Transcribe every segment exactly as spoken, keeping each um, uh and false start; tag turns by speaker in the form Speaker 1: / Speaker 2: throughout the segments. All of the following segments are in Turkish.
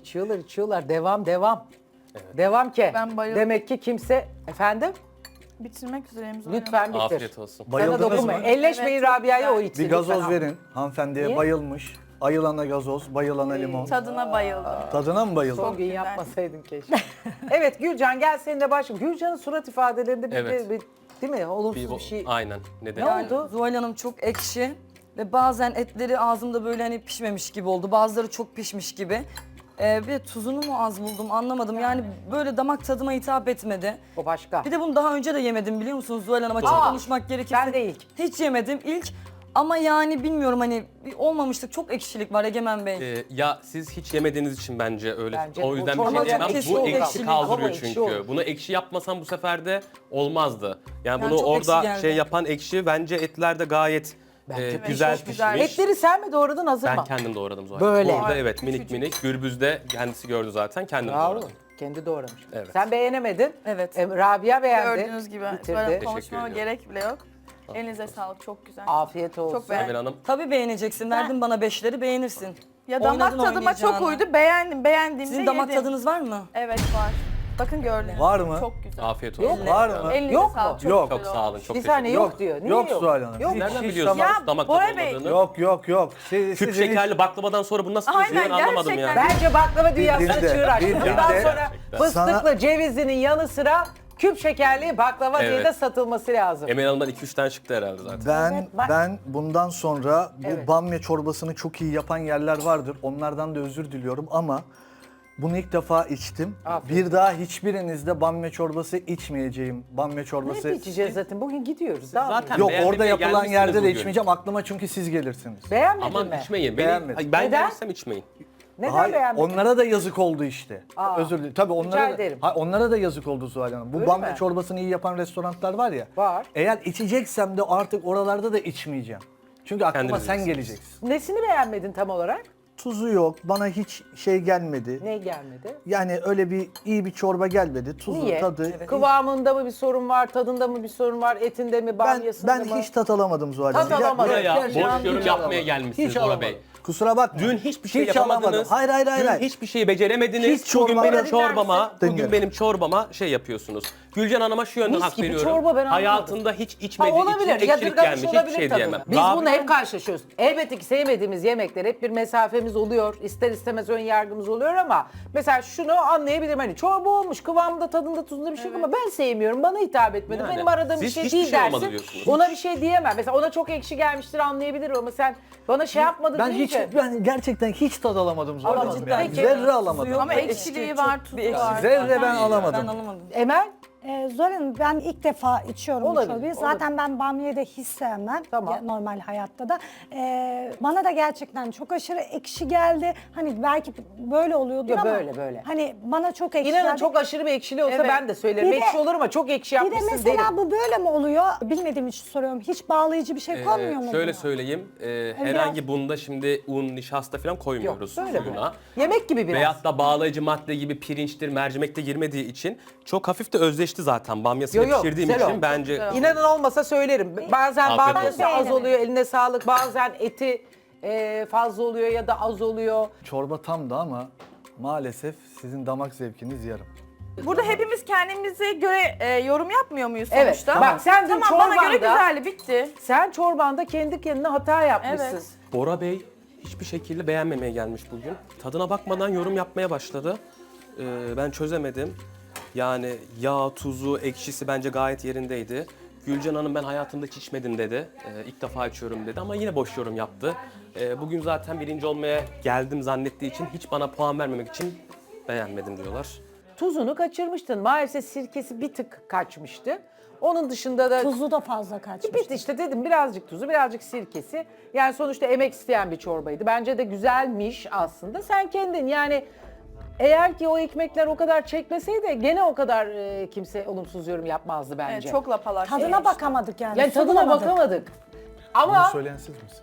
Speaker 1: içiyorlar içiyorlar. Devam devam. Devam ki.
Speaker 2: Ben bayıldım.
Speaker 1: Demek ki kimse... Efendim?
Speaker 2: Bitirmek üzereyim.
Speaker 1: Lütfen bitir.
Speaker 3: Afiyet olsun.
Speaker 1: Sana
Speaker 4: Bayıldınız
Speaker 1: dokunmayın.
Speaker 4: mı?
Speaker 1: Elleşmeyin
Speaker 2: Evet, çok
Speaker 1: Rabia'ya, o
Speaker 2: güzel.
Speaker 1: içsin.
Speaker 4: Bir gazoz
Speaker 1: lütfen.
Speaker 4: verin hanımefendiye.
Speaker 1: Niye?
Speaker 4: Bayılmış. Ayılana gazoz, bayılana limon.
Speaker 2: Tadına bayıldım.
Speaker 4: Tadına mı bayıldın?
Speaker 1: Son gün
Speaker 2: güzel.
Speaker 1: yapmasaydın keşke. Evet Gülcan, gel seninle başlayalım. Gülcan'ın surat ifadelerinde bir,
Speaker 3: Evet.
Speaker 1: bir, bir değil mi? Olumsuz
Speaker 3: Bir,
Speaker 1: bir şey.
Speaker 3: Aynen. Neden?
Speaker 1: Ne oldu?
Speaker 5: Zuhal Hanım çok ekşi ve bazen etleri ağzımda böyle hani pişmemiş gibi oldu. Bazıları çok pişmiş gibi. Ee, ve tuzunu mu az buldum anlamadım. Yani böyle damak tadıma hitap etmedi.
Speaker 1: O başka.
Speaker 5: Bir de bunu daha önce de yemedim biliyor musunuz Zuhal Hanım? Açık
Speaker 1: Aa,
Speaker 5: konuşmak gerekirse.
Speaker 1: ben de ilk.
Speaker 5: Hiç yemedim ilk. Ama yani bilmiyorum hani bir olmamışlık, çok ekşilik var Egemen Bey.
Speaker 3: Ee, ya siz hiç yemediğiniz için bence öyle.
Speaker 1: Bence
Speaker 3: o
Speaker 1: bu
Speaker 3: yüzden
Speaker 1: çorba
Speaker 3: bir şey diyemem.
Speaker 5: kesin
Speaker 3: Bu
Speaker 5: olur.
Speaker 3: ekşi
Speaker 5: Ekşi
Speaker 3: kaldırıyor
Speaker 1: ama ekşi
Speaker 3: çünkü.
Speaker 1: olur.
Speaker 3: Bunu ekşi yapmasam bu sefer de olmazdı. Yani,
Speaker 5: Yani
Speaker 3: bunu
Speaker 5: çok
Speaker 3: orada
Speaker 5: ekşi geldi.
Speaker 3: şey yapan ekşi bence etlerde gayet
Speaker 1: Bence
Speaker 3: e,
Speaker 1: de.
Speaker 3: güzel
Speaker 2: Çok
Speaker 3: pişmiş.
Speaker 2: güzel.
Speaker 1: Etleri sen mi doğradın, hazır
Speaker 3: Ben
Speaker 1: mı?
Speaker 3: kendim doğradım zaten.
Speaker 1: Böyle.
Speaker 3: Orada
Speaker 2: Ay,
Speaker 3: evet minik
Speaker 2: küçücük.
Speaker 3: minik. Gürbüz'de kendisi gördü zaten. Kendim
Speaker 1: Bravo.
Speaker 3: doğradım.
Speaker 1: Kendi doğramış.
Speaker 3: Evet.
Speaker 1: Sen beğenemedin.
Speaker 5: Evet.
Speaker 1: E, Rabia beğendi.
Speaker 2: Gördüğünüz gibi.
Speaker 1: Bitirdi.
Speaker 2: Böyle
Speaker 3: Teşekkür
Speaker 2: konuşmama
Speaker 3: ediyorum.
Speaker 2: gerek bile yok. Elinize sağlık. Çok güzel.
Speaker 1: Afiyet olsun.
Speaker 2: Çok beğendim.
Speaker 3: Emel Hanım.
Speaker 5: Tabii beğeneceksin. Verdin bana beşleri, beğenirsin.
Speaker 2: Ya damak
Speaker 5: Oynadın
Speaker 2: tadıma çok
Speaker 5: oynayacağını.
Speaker 2: uydu. Beğendim. Beğendiğimde
Speaker 5: Sizin damak
Speaker 2: yedim.
Speaker 5: tadınız var mı?
Speaker 2: Evet var. Bakın gördünüz.
Speaker 4: Var mı?
Speaker 2: Çok güzel.
Speaker 3: Afiyet
Speaker 1: Yok,
Speaker 3: olsun.
Speaker 4: var mı?
Speaker 2: Elinize
Speaker 1: Yok mu?
Speaker 2: sağlık. Çok
Speaker 4: Yok.
Speaker 2: güzel
Speaker 3: Çok sağ olun.
Speaker 2: olmuş.
Speaker 3: Çok
Speaker 1: Bir
Speaker 3: teşekkür
Speaker 1: saniye
Speaker 3: ederim.
Speaker 1: yok diyor. Niye
Speaker 4: Yok
Speaker 1: yok?
Speaker 4: Zuhal Hanım.
Speaker 1: Yok.
Speaker 4: Hiç-
Speaker 3: Nereden
Speaker 4: hiç
Speaker 3: biliyorsunuz
Speaker 4: tamam.
Speaker 2: Ya,
Speaker 3: damak
Speaker 2: Bora
Speaker 3: tadı
Speaker 2: Bey.
Speaker 3: olmadığını?
Speaker 4: Yok yok yok. Siz,
Speaker 3: Küp
Speaker 4: sizin hiç-
Speaker 3: şekerli baklavadan sonra bunu nasıl
Speaker 2: Aynen,
Speaker 3: çözüyor ben anlamadım ya.
Speaker 2: gerçekten.
Speaker 1: Bence baklava dünyasına
Speaker 4: Bildiğinde,
Speaker 1: çığır açtı.
Speaker 4: bildiğinde.
Speaker 1: Bundan sonra
Speaker 3: Gerçekten.
Speaker 1: fıstıklı
Speaker 4: Sana-
Speaker 1: cevizinin yanı sıra küp şekerli baklava diye
Speaker 3: Evet.
Speaker 1: de satılması lazım.
Speaker 3: Emel Hanım'dan iki üç tane çıktı herhalde zaten.
Speaker 4: Ben
Speaker 1: Evet, bak-
Speaker 4: ben bundan sonra bu
Speaker 1: Evet.
Speaker 4: bamya çorbasını çok iyi yapan yerler vardır. Onlardan da özür diliyorum ama bunu ilk defa içtim.
Speaker 1: Afiyet
Speaker 4: Bir daha hiçbirinizde bamya çorbası içmeyeceğim. Bamya çorbası.
Speaker 1: Ne içeceğiz zaten? Bugün gidiyoruz. Daha
Speaker 3: Zaten
Speaker 4: Yok
Speaker 3: beğenmemeye
Speaker 4: orada yapılan
Speaker 3: gelmişsiniz
Speaker 4: yerde de
Speaker 3: bugün.
Speaker 4: içmeyeceğim. Aklıma çünkü siz gelirsiniz.
Speaker 1: Beğenmedin
Speaker 3: Aman
Speaker 1: mi?
Speaker 3: içmeyin. Beni,
Speaker 4: Beğenmedim.
Speaker 3: ben
Speaker 1: Neden?
Speaker 3: gelirsem içmeyin.
Speaker 1: Neden
Speaker 4: Hayır,
Speaker 1: beğenmedin?
Speaker 4: onlara da yazık oldu işte.
Speaker 1: Aa,
Speaker 4: Özür dilerim. Tabii onlara da,
Speaker 1: ederim.
Speaker 4: ha, onlara da yazık oldu Zuhal Hanım. Bu
Speaker 1: Öyle
Speaker 4: bamya
Speaker 1: mi?
Speaker 4: çorbasını iyi yapan restoranlar var ya.
Speaker 1: Var.
Speaker 4: Eğer içeceksem de artık oralarda da içmeyeceğim. Çünkü aklıma
Speaker 3: Kendiniz
Speaker 4: sen
Speaker 3: bilirsiniz.
Speaker 4: geleceksin.
Speaker 1: Nesini beğenmedin tam olarak?
Speaker 4: Tuzu yok. Bana hiç şey gelmedi.
Speaker 1: Ne gelmedi?
Speaker 4: Yani öyle bir iyi bir çorba gelmedi. Tuzu,
Speaker 1: Niye?
Speaker 4: tadı.
Speaker 1: Kıvamında mı bir sorun var, tadında mı bir sorun var, etinde mi,
Speaker 4: Ben
Speaker 1: bamyasında
Speaker 4: ben
Speaker 1: mı?
Speaker 4: hiç tat alamadım Zuhal
Speaker 1: Tat
Speaker 4: Hanım.
Speaker 1: alamadın.
Speaker 3: Buraya
Speaker 1: Gerçekten
Speaker 3: boş yorum
Speaker 1: hiç
Speaker 3: yapmaya
Speaker 1: alamadım.
Speaker 3: gelmişsiniz
Speaker 4: Hiç
Speaker 3: Bora
Speaker 4: alamadım.
Speaker 3: Bey.
Speaker 4: Kusura bakma.
Speaker 3: Dün hiçbir şey
Speaker 4: Hiç
Speaker 3: yapamadınız.
Speaker 4: alamadım. Hayır hayır hayır.
Speaker 3: Dün
Speaker 4: hayır.
Speaker 3: hiçbir şeyi beceremediniz.
Speaker 4: Hiç
Speaker 3: bugün
Speaker 4: çorba-
Speaker 3: benim
Speaker 4: Bana
Speaker 3: çorbama, bugün
Speaker 4: Dinlerim.
Speaker 3: benim çorbama şey yapıyorsunuz. Gülcan Hanım'a şu yönden
Speaker 1: Mis
Speaker 3: hak
Speaker 1: gibi
Speaker 3: veriyorum.
Speaker 1: çorba, ben anlamadım.
Speaker 3: Hayatında hiç
Speaker 1: Ha,
Speaker 3: içmediği için
Speaker 1: olabilir,
Speaker 3: ekşilik
Speaker 1: yadırgamış
Speaker 3: gelmiş. Hiçbir
Speaker 1: olabilir
Speaker 3: şey
Speaker 1: tadını.
Speaker 3: diyemem.
Speaker 1: Biz
Speaker 3: Rabi-
Speaker 1: bununla hep karşılaşıyoruz. Elbette ki sevmediğimiz yemekler hep bir mesafemiz oluyor. İster istemez ön yargımız oluyor ama mesela şunu anlayabilirim. Hani çorba olmuş, kıvamında, tadında, tuzunda bir şey yok ama ben sevmiyorum. Bana hitap etmedi.
Speaker 3: Yani,
Speaker 1: Benim aradığım bir
Speaker 3: siz
Speaker 1: şey
Speaker 3: hiçbir
Speaker 1: değil
Speaker 3: şey olmadı
Speaker 1: dersin.
Speaker 3: diyorsunuz.
Speaker 1: Ona bir şey diyemem. Mesela ona çok ekşi gelmiştir anlayabilirim ama sen bana şey yapmadın
Speaker 4: Ben hiç
Speaker 1: deyince.
Speaker 4: ben gerçekten hiç tad alamadım Zuhal
Speaker 1: Alamadın.
Speaker 4: Hanım. Yani.
Speaker 1: Peki.
Speaker 4: Zerre alamadım.
Speaker 5: Yok,
Speaker 2: Ama
Speaker 5: ekşi,
Speaker 2: ekşiliği
Speaker 5: çok
Speaker 2: var,
Speaker 5: bir
Speaker 2: tuzu
Speaker 5: ekşi.
Speaker 2: var.
Speaker 4: Zerre ben
Speaker 5: Ben
Speaker 4: alamadım.
Speaker 5: alamadım.
Speaker 1: Emel?
Speaker 6: Ee, Zuhal Hanım ben ilk defa içiyorum
Speaker 1: Olabilir,
Speaker 6: bu çorbayı.
Speaker 1: olabilir.
Speaker 6: Zaten ben bamyayı da hiç sevmem.
Speaker 1: Tamam.
Speaker 6: Ya, normal hayatta da. Ee, bana da gerçekten çok aşırı ekşi geldi. Hani belki böyle oluyordur
Speaker 1: Yo,
Speaker 6: ama.
Speaker 1: böyle, böyle.
Speaker 6: Hani bana çok ekşi
Speaker 1: İnanın
Speaker 6: geldi.
Speaker 1: çok aşırı bir ekşili olsa
Speaker 2: Evet.
Speaker 1: ben de söylerim.
Speaker 6: Bir de-
Speaker 1: ekşi olur ama çok ekşi
Speaker 6: Bir de
Speaker 1: yapmışsın
Speaker 6: mesela
Speaker 1: derim.
Speaker 6: bu böyle mi oluyor? Bilmediğim için soruyorum. Hiç bağlayıcı bir şey konmuyor mu?
Speaker 3: Ee, şöyle
Speaker 6: buna?
Speaker 3: söyleyeyim. e,
Speaker 6: biraz-
Speaker 3: herhangi bunda şimdi un, nişasta falan koymuyoruz
Speaker 1: Yok, böyle
Speaker 3: suyuna.
Speaker 1: Yemek gibi biraz.
Speaker 3: Veyahut da bağlayıcı madde gibi pirinçtir, mercimekte girmediği için çok hafif de özleşti zaten. Bamyasını
Speaker 1: Yo, yo,
Speaker 3: pişirdiğim
Speaker 1: güzel
Speaker 3: için
Speaker 1: oldu.
Speaker 3: bence
Speaker 1: İnanın olmasa söylerim. Bazen
Speaker 3: Afiyet
Speaker 1: bamyası
Speaker 6: olsun.
Speaker 1: az oluyor, eline sağlık. Bazen eti e, fazla oluyor ya da az oluyor.
Speaker 4: Çorba tamdı ama maalesef sizin damak zevkiniz yarım.
Speaker 2: Burada hepimiz kendimize göre e, yorum yapmıyor muyuz
Speaker 1: Evet,
Speaker 2: sonuçta?
Speaker 1: bak sen dün
Speaker 2: tamam, bana göre
Speaker 1: çorbanda-
Speaker 2: güzeldi, bitti.
Speaker 1: Sen çorbanda kendi kendine hata yapmışsın.
Speaker 2: Evet.
Speaker 3: Bora Bey hiçbir şekilde beğenmemeye gelmiş bugün. Tadına bakmadan yorum yapmaya başladı. Ee, ben çözemedim. Yani yağ, tuzu, ekşisi bence gayet yerindeydi. Gülcan Hanım ben hayatımda hiç içmedim dedi. Ee, ilk defa içiyorum dedi ama yine boş yorum yaptı. Ee, bugün zaten birinci olmaya geldim zannettiği için hiç bana puan vermemek için beğenmedim diyorlar.
Speaker 1: Tuzunu kaçırmıştın. Maalesef sirkesi bir tık kaçmıştı. Onun dışında da
Speaker 6: Tuzu da fazla kaçmış.
Speaker 1: bitti işte dedim birazcık tuzu, birazcık sirkesi. Yani sonuçta emek isteyen bir çorbaydı. Bence de güzelmiş aslında. Sen kendin yani eğer ki o ekmekler o kadar çekmeseydi gene o kadar e, kimse olumsuz yorum yapmazdı bence.
Speaker 2: Evet, çok lapalak.
Speaker 6: Tadına bakamadık yani.
Speaker 1: Yani
Speaker 6: su
Speaker 1: tadına
Speaker 6: bulamadık.
Speaker 1: bakamadık.
Speaker 4: Bunu
Speaker 1: Ama
Speaker 4: söyleyen siz misiniz?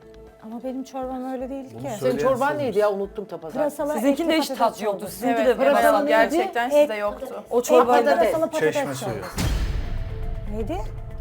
Speaker 6: Ama benim çorbam öyle değil ki.
Speaker 1: senin
Speaker 4: söyleyen
Speaker 1: çorban
Speaker 4: siz
Speaker 1: neydi ya unuttum tapazar.
Speaker 6: Pırasalı
Speaker 5: Sizinkinde
Speaker 6: etli
Speaker 5: hiç tat
Speaker 6: patates
Speaker 5: yoktu.
Speaker 6: çorbası.
Speaker 5: Sizinki
Speaker 2: Evet,
Speaker 5: de
Speaker 2: evet,
Speaker 1: pırasalı neydi?
Speaker 2: gerçekten
Speaker 6: Et-
Speaker 2: sizde yoktu.
Speaker 5: o çorbayla
Speaker 6: Et patates,
Speaker 5: da
Speaker 6: patates
Speaker 4: Çeşme
Speaker 6: çorbası.
Speaker 4: suyu.
Speaker 6: Neydi?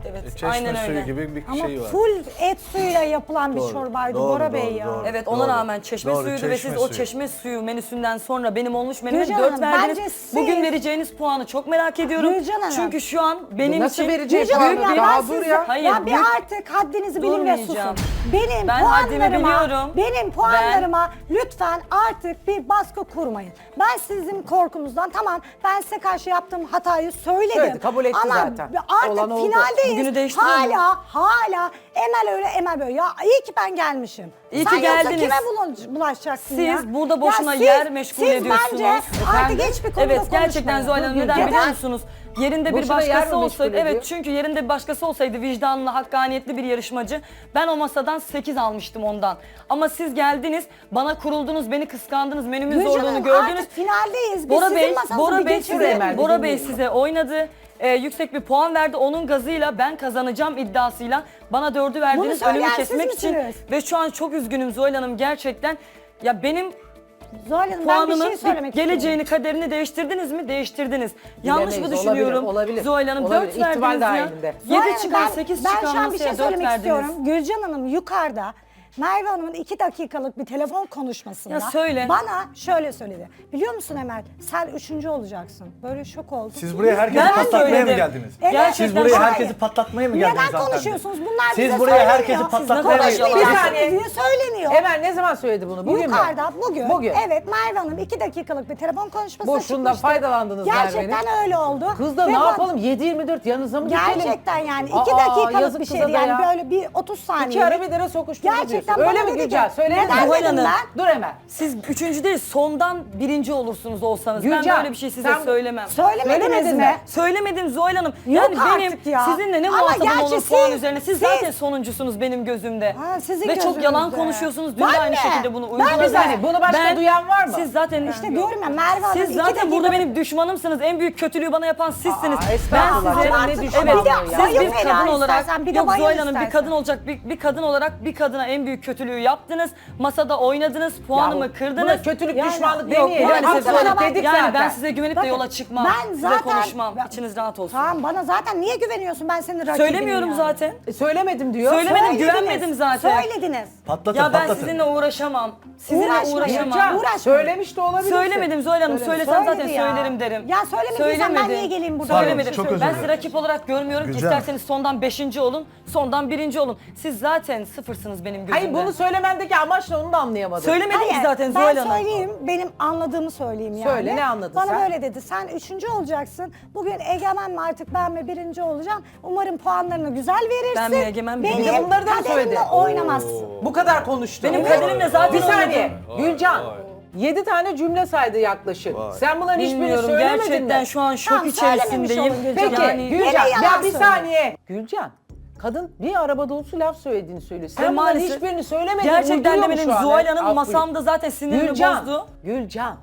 Speaker 5: Evet,
Speaker 4: E, Çeşme
Speaker 5: aynen
Speaker 4: suyu
Speaker 5: öyle.
Speaker 4: gibi bir
Speaker 6: Ama
Speaker 4: şey var.
Speaker 6: full et suyuyla yapılan bir
Speaker 4: Doğru,
Speaker 6: çorbaydı
Speaker 4: doğru,
Speaker 6: Bora
Speaker 4: doğru,
Speaker 6: Bey ya.
Speaker 4: doğru.
Speaker 5: Evet, ona
Speaker 4: Doğru.
Speaker 5: rağmen çeşme
Speaker 4: Doğru,
Speaker 5: suyuydu ve
Speaker 4: çeşme
Speaker 5: siz o
Speaker 4: suyu.
Speaker 5: çeşme suyu menüsünden sonra benim olmuş menüme
Speaker 6: Gülcan
Speaker 5: dört
Speaker 6: Hanım,
Speaker 5: verdiniz.
Speaker 6: bence siz-
Speaker 5: Bugün vereceğiniz puanı çok merak ediyorum.
Speaker 6: Gülcan Hanım.
Speaker 5: Çünkü şu an benim
Speaker 1: Nasıl
Speaker 5: için
Speaker 1: vereceği
Speaker 6: Gülcan
Speaker 1: puanı?
Speaker 6: Hanım ya,
Speaker 1: Daha
Speaker 6: ben
Speaker 1: dur
Speaker 6: size-
Speaker 1: ya.
Speaker 5: Hayır,
Speaker 6: ya bir
Speaker 5: büyük-
Speaker 6: artık haddinizi bilin ve susun.
Speaker 5: Durmayacağım.
Speaker 6: Benim
Speaker 5: Ben haddimi
Speaker 6: puanlarıma,
Speaker 5: biliyorum.
Speaker 6: benim puanlarıma lütfen artık bir baskı kurmayın. Ben sizin korkumuzdan tamam ben size karşı yaptığım hatayı söyledim.
Speaker 1: Söyledi, kabul etti
Speaker 6: Ama
Speaker 1: zaten.
Speaker 6: artık
Speaker 1: Olan oldu.
Speaker 6: finaldeyiz.
Speaker 5: Bugünü değiştirelim.
Speaker 6: Hala hala Emel öyle Emel böyle. Ya iyi ki ben gelmişim.
Speaker 5: İyi
Speaker 6: Sen
Speaker 5: ki
Speaker 6: yoksa
Speaker 5: geldiniz.
Speaker 6: kime bulaş- bulaşacaksın
Speaker 5: Siz
Speaker 6: ya?
Speaker 5: burada boşuna
Speaker 6: Ya
Speaker 5: yer meşgul
Speaker 6: siz
Speaker 5: ediyorsunuz.
Speaker 6: bence artık hiçbir konuda
Speaker 5: Evet, gerçekten
Speaker 6: konuşmayın.
Speaker 5: Zuhal Hanım neden
Speaker 6: Neden?
Speaker 5: biliyor musunuz? Yerinde bir
Speaker 1: Boşuna yer mi
Speaker 5: başkası
Speaker 1: meşgul
Speaker 5: olsaydı,
Speaker 1: ediyor?
Speaker 5: evet çünkü yerinde bir başkası olsaydı vicdanlı, hakkaniyetli bir yarışmacı, ben o masadan sekiz almıştım ondan. Ama siz geldiniz, bana kuruldunuz, beni kıskandınız, menümün
Speaker 6: Gülcan
Speaker 5: zorluğunu
Speaker 6: Hanım,
Speaker 5: gördünüz.
Speaker 6: artık finaldeyiz. Biz
Speaker 5: Bora
Speaker 6: sizin
Speaker 5: Bey,
Speaker 6: masanızı
Speaker 5: Bora
Speaker 6: bir
Speaker 5: Bey
Speaker 6: geçirelim.
Speaker 5: size,
Speaker 1: Emel,
Speaker 5: Bora Bey
Speaker 1: dinliyorum.
Speaker 5: size oynadı. Ee, yüksek bir puan verdi. Onun gazıyla ben kazanacağım iddiasıyla bana dördü verdiniz
Speaker 6: söyleyen
Speaker 5: önümü
Speaker 6: siz
Speaker 5: kesmek için.
Speaker 6: misiniz?
Speaker 5: Ve şu an çok üzgünüm Zuhal Hanım gerçekten. Ya benim
Speaker 6: Zuhal Hanım ben bir
Speaker 5: puanımın
Speaker 6: şey söylemek
Speaker 5: geleceğini,
Speaker 6: istiyorum.
Speaker 5: kaderini değiştirdiniz mi? Değiştirdiniz. Yanlış mı
Speaker 1: Bilemeyiz,
Speaker 5: düşünüyorum?
Speaker 1: olabilir, olabilir.
Speaker 5: Zuhal Hanım
Speaker 1: Olabilir,
Speaker 5: dört
Speaker 1: ihtimal
Speaker 5: verdiniz ya.
Speaker 1: dahilinde.
Speaker 6: Zuhal
Speaker 5: yedi
Speaker 6: Hanım,
Speaker 5: çıkan,
Speaker 6: ben-
Speaker 5: sekiz
Speaker 6: Ben
Speaker 5: çıkan
Speaker 6: şu an bir şey
Speaker 5: masaya dört
Speaker 6: söylemek
Speaker 5: verdiniz.
Speaker 6: istiyorum. Gülcan Hanım yukarıda Merve Hanım'ın iki dakikalık bir telefon konuşmasında
Speaker 5: Ya söyle.
Speaker 6: bana şöyle söyledi. Biliyor musun Emel sen üçüncü olacaksın. Böyle şok oldum.
Speaker 4: Siz buraya herkesi
Speaker 5: Ben de
Speaker 4: patlatmaya mı
Speaker 5: söyledim.
Speaker 4: geldiniz?
Speaker 6: Evet.
Speaker 5: Gerçekten
Speaker 4: Siz buraya
Speaker 6: Hayır.
Speaker 4: herkesi patlatmaya mı geldiniz
Speaker 6: Neden
Speaker 4: hanımefendi?
Speaker 6: konuşuyorsunuz? Bunlar
Speaker 4: Siz
Speaker 6: bize
Speaker 4: buraya
Speaker 6: söyleniyor.
Speaker 4: herkesi
Speaker 6: Siz
Speaker 4: patlatmaya mı geldiniz?
Speaker 6: konuşmayacaksınız
Speaker 1: Bir saniye.
Speaker 6: diye söyleniyor.
Speaker 1: Emel ne zaman söyledi bunu? Bugün mü?
Speaker 6: Yukarıda bugün,
Speaker 1: Bugün.
Speaker 6: evet Merve Hanım iki dakikalık bir telefon konuşması
Speaker 1: Boşluğundan
Speaker 6: çıkmıştı.
Speaker 1: faydalandınız
Speaker 6: Gerçekten
Speaker 1: Merve'nin.
Speaker 6: öyle oldu.
Speaker 1: Kız da
Speaker 6: Ve
Speaker 1: ne
Speaker 6: bu-
Speaker 1: yapalım yedi yirmi dört yanınıza mı dikelim?
Speaker 6: Gerçekten yani
Speaker 1: Aa,
Speaker 6: iki dakikalık
Speaker 1: yazık
Speaker 6: bir
Speaker 1: kıza
Speaker 6: şeydi
Speaker 1: da
Speaker 6: yani
Speaker 1: ya.
Speaker 6: böyle bir otuz saniye.
Speaker 1: İki ara bir dere sokuşturdu
Speaker 6: Gerçekten
Speaker 1: diyorsun. Öyle
Speaker 6: bana
Speaker 1: mi
Speaker 6: dedi
Speaker 1: Gülcan?
Speaker 6: ki,
Speaker 1: Söyledin mi?
Speaker 6: neden
Speaker 5: Zuhal
Speaker 6: dedim
Speaker 5: Hanım.
Speaker 6: ben?
Speaker 1: Dur Emel.
Speaker 5: Siz üçüncü değil, sondan birinci olursunuz olsanız. Ben
Speaker 1: Gülcan,
Speaker 5: böyle bir şey size
Speaker 1: sen-
Speaker 5: söylemem.
Speaker 6: Söylemediniz
Speaker 1: Söylemedin
Speaker 6: mi?
Speaker 1: mi?
Speaker 5: Söylemedim Zuhal Hanım.
Speaker 6: Yok
Speaker 5: yani benim
Speaker 6: artık ya.
Speaker 5: sizinle ne
Speaker 6: Ama
Speaker 5: muhatabım
Speaker 6: gerçi
Speaker 5: olur puan
Speaker 6: siz-
Speaker 5: üzerine. Siz,
Speaker 6: siz-
Speaker 5: zaten sonuncusunuz benim gözümde.
Speaker 6: Ha, sizin
Speaker 5: Ve çok
Speaker 6: gözünüzde.
Speaker 5: yalan konuşuyorsunuz. Dün
Speaker 6: Ben
Speaker 5: de aynı
Speaker 6: mi?
Speaker 5: şekilde bunu
Speaker 6: Ben
Speaker 5: uyguladınız.
Speaker 6: bir saniye,
Speaker 1: bunu başka duyan var mı?
Speaker 5: Siz zaten
Speaker 6: İşte diyorum ya Merve Hanım
Speaker 5: Siz
Speaker 6: iki
Speaker 5: zaten
Speaker 6: dakika-
Speaker 5: burada benim düşmanımsınız. En büyük kötülüğü bana yapan sizsiniz.
Speaker 1: Aa, estağfurullah
Speaker 5: ben size
Speaker 1: canım, ne
Speaker 6: Artık
Speaker 1: düşmanlığı
Speaker 5: evet,
Speaker 1: ya.
Speaker 5: siz
Speaker 6: Bayıl
Speaker 5: bir
Speaker 6: beni
Speaker 5: kadın olarak
Speaker 6: istersen, bir de
Speaker 5: yok
Speaker 6: bayıl
Speaker 5: Zuhal Hanım bir
Speaker 6: istersen.
Speaker 5: kadın olacak bir, bir kadın olarak bir kadına en büyük kötülüğü yaptınız. Masada oynadınız, puanımı
Speaker 1: Ya bu-
Speaker 5: kırdınız.
Speaker 1: buna kötülük,
Speaker 6: Yani-
Speaker 1: düşmanlık
Speaker 5: Yok,
Speaker 1: demeyelim.
Speaker 5: maalesef
Speaker 1: Haksızlık
Speaker 5: Zuhal Hanım.
Speaker 1: dedik
Speaker 5: Yani
Speaker 1: zaten.
Speaker 5: ben size güvenip de
Speaker 6: Bakın,
Speaker 5: yola çıkmam.
Speaker 6: ben
Speaker 5: Size
Speaker 6: zaten-
Speaker 5: konuşmam.
Speaker 6: ben-
Speaker 5: İçiniz rahat olsun.
Speaker 6: Tamam bana zaten niye güveniyorsun ben senin rakibinim
Speaker 5: Söylemiyorum
Speaker 6: yani.
Speaker 5: zaten.
Speaker 1: E, söylemedim diyor.
Speaker 5: Söylemedim,
Speaker 6: Söylediniz,
Speaker 5: güvenmedim zaten.
Speaker 6: Söylediniz.
Speaker 4: Patlatın
Speaker 5: Ya ben
Speaker 4: patlatın.
Speaker 5: sizinle uğraşamam. Sizinle
Speaker 6: Uğraşmayın.
Speaker 5: uğraşamam.
Speaker 1: Gülcan,
Speaker 6: Uğraşmayın.
Speaker 1: söylemiş de olabilirsin.
Speaker 5: Söylemedim Zuhal Hanım.
Speaker 1: Söyle-
Speaker 5: Söylesem zaten
Speaker 6: Söyledi ya.
Speaker 5: söylerim derim.
Speaker 6: Ya söylemediysen ben niye geleyim burada?
Speaker 5: Söylemedim.
Speaker 4: Pardon, çok özür
Speaker 5: Ben
Speaker 4: dilerim.
Speaker 5: sizi rakip olarak görmüyorum ki.
Speaker 4: Gülcan.
Speaker 5: İsterseniz sondan beşinci olun, sondan birinci olun. Siz zaten sıfırsınız benim gözümde.
Speaker 1: Hayır bunu söylemendeki amaç ne onu da anlayamadım.
Speaker 5: Söylemedim ki
Speaker 6: Hayır,
Speaker 5: zaten Zuhal
Speaker 6: ben
Speaker 5: Hanım.
Speaker 6: söyleyeyim, benim anladığımı söyleyeyim yani.
Speaker 1: Söyle, ne anladın
Speaker 6: Bana
Speaker 1: sen?
Speaker 6: böyle dedi, sen üçüncü olacaksın. Bugün egemen mi artık ben mi birinci olacağım. Umarım puanlarını güzel verirsin.
Speaker 5: Ben mi egemen, bir
Speaker 6: Benim
Speaker 5: de
Speaker 1: bunları da mı
Speaker 6: kaderimle
Speaker 1: söyledi?
Speaker 6: oynamazsın.
Speaker 1: Bu kadar konuştu.
Speaker 5: Benim kaderimle zaten
Speaker 1: Bir saniye.
Speaker 5: oynadım.
Speaker 1: Gülcan. Yedi tane cümle saydı yaklaşık. Sen bunların hiçbirini
Speaker 5: Bilmiyorum
Speaker 1: söylemedin
Speaker 5: gerçekten
Speaker 1: mi?
Speaker 5: şu an şok
Speaker 6: Tamam, söylememiş
Speaker 5: içerisindeyim.
Speaker 6: olun Gülcan.
Speaker 1: Peki
Speaker 5: Yani
Speaker 1: Gülcan
Speaker 6: Gene
Speaker 1: ya
Speaker 6: yalan
Speaker 1: bir
Speaker 6: söylüyor.
Speaker 1: saniye. Gülcan kadın bir araba dolusu laf söylediğini söylüyor. Sen
Speaker 5: Ve
Speaker 1: bunların
Speaker 5: maalesef
Speaker 1: hiçbirini söylemedin.
Speaker 5: gerçekten
Speaker 1: uyduruyor
Speaker 5: de
Speaker 1: mu
Speaker 5: benim
Speaker 1: şu an?
Speaker 5: Zuhal Hanım
Speaker 1: Af
Speaker 5: masamda zaten sinirimi
Speaker 1: Gülcan.
Speaker 5: bozdu.
Speaker 1: Gülcan.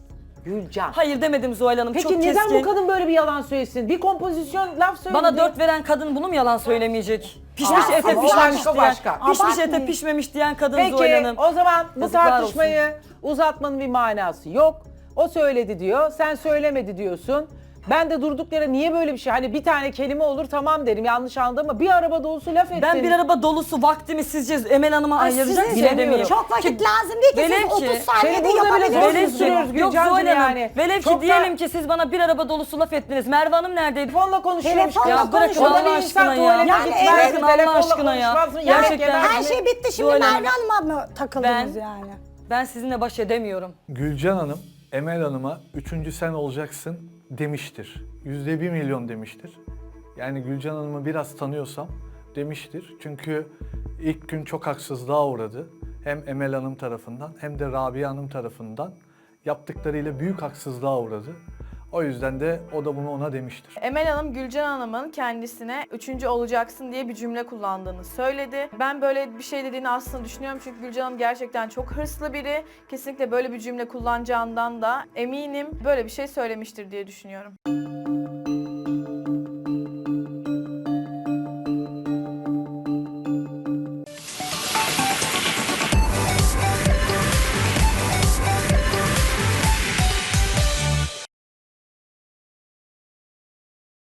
Speaker 1: Gülcan.
Speaker 5: Hayır demedim Zuhal Hanım.
Speaker 1: Peki
Speaker 5: çok
Speaker 1: neden
Speaker 5: keskin.
Speaker 1: bu kadın böyle bir yalan söylesin? Bir kompozisyon laf söyledi.
Speaker 5: Bana dört veren kadın bunu mu yalan söylemeyecek? Pişmiş
Speaker 6: Ya,
Speaker 5: ete
Speaker 6: o
Speaker 5: pişmemiş
Speaker 1: başka,
Speaker 5: diyen,
Speaker 1: başka.
Speaker 5: pişmiş
Speaker 6: Abartmayın.
Speaker 5: ete pişmemiş diyen kadın Zuhal
Speaker 1: Peki
Speaker 5: Hanım.
Speaker 1: o zaman bu
Speaker 5: Yazıklar
Speaker 1: tartışmayı uzatmanın bir manası yok. O söyledi diyor, sen söylemedi diyorsun. Ben de durduk yere niye böyle bir şey? Hani bir tane kelime olur tamam derim yanlış anladım ama bir araba dolusu laf ettin.
Speaker 5: Ben bir araba dolusu vaktimi sizce Emel Hanım'a
Speaker 6: Ay,
Speaker 5: ayıracak
Speaker 6: sizin
Speaker 5: bilemiyorum.
Speaker 6: Çok vakit lazım değil ki
Speaker 5: Velev
Speaker 6: siz
Speaker 5: ki-
Speaker 6: otuz saniyede
Speaker 1: Seni burada bile zor
Speaker 6: yapabilirsiniz.
Speaker 1: susturuyoruz
Speaker 5: Yok
Speaker 1: Gülcancığım
Speaker 5: Zuhal Hanım.
Speaker 1: yani.
Speaker 5: Velev
Speaker 1: Çok
Speaker 5: ki
Speaker 1: da-
Speaker 5: diyelim ki siz bana bir araba dolusu laf ettiniz. Merve Hanım neredeydi?
Speaker 1: Telefonla konuşuyormuş.
Speaker 6: Telefonla
Speaker 5: Ya bırakın
Speaker 1: O da
Speaker 5: Allah
Speaker 1: bir insan
Speaker 5: aşkına ya.
Speaker 1: tuvalete
Speaker 6: Yani
Speaker 1: gitmez,
Speaker 6: evet,
Speaker 5: bırakın
Speaker 1: telefonla
Speaker 5: Allah aşkına ya.
Speaker 1: konuşmaz mı? Yemek
Speaker 5: Gerçekten.
Speaker 1: yemez
Speaker 6: Her
Speaker 1: mi?
Speaker 6: şey bitti şimdi
Speaker 5: Zuhal Hanım.
Speaker 6: Merve Hanım'a mı takıldınız
Speaker 5: Ben-
Speaker 6: yani?
Speaker 5: Ben sizinle baş edemiyorum.
Speaker 4: Gülcan Hanım, Emel Hanım'a üçüncü sen olacaksın demiştir. Yüzde bir milyon demiştir. Yani Gülcan Hanım'ı biraz tanıyorsam demiştir. Çünkü ilk gün çok haksızlığa uğradı. Hem Emel Hanım tarafından hem de Rabia Hanım tarafından yaptıklarıyla büyük haksızlığa uğradı. O yüzden de o da bunu ona demiştir.
Speaker 2: Emel Hanım, Gülcan Hanım'ın kendisine üçüncü olacaksın diye bir cümle kullandığını söyledi. Ben böyle bir şey dediğini aslında düşünüyorum çünkü Gülcan Hanım gerçekten çok hırslı biri. Kesinlikle böyle bir cümle kullanacağından da eminim böyle bir şey söylemiştir diye düşünüyorum.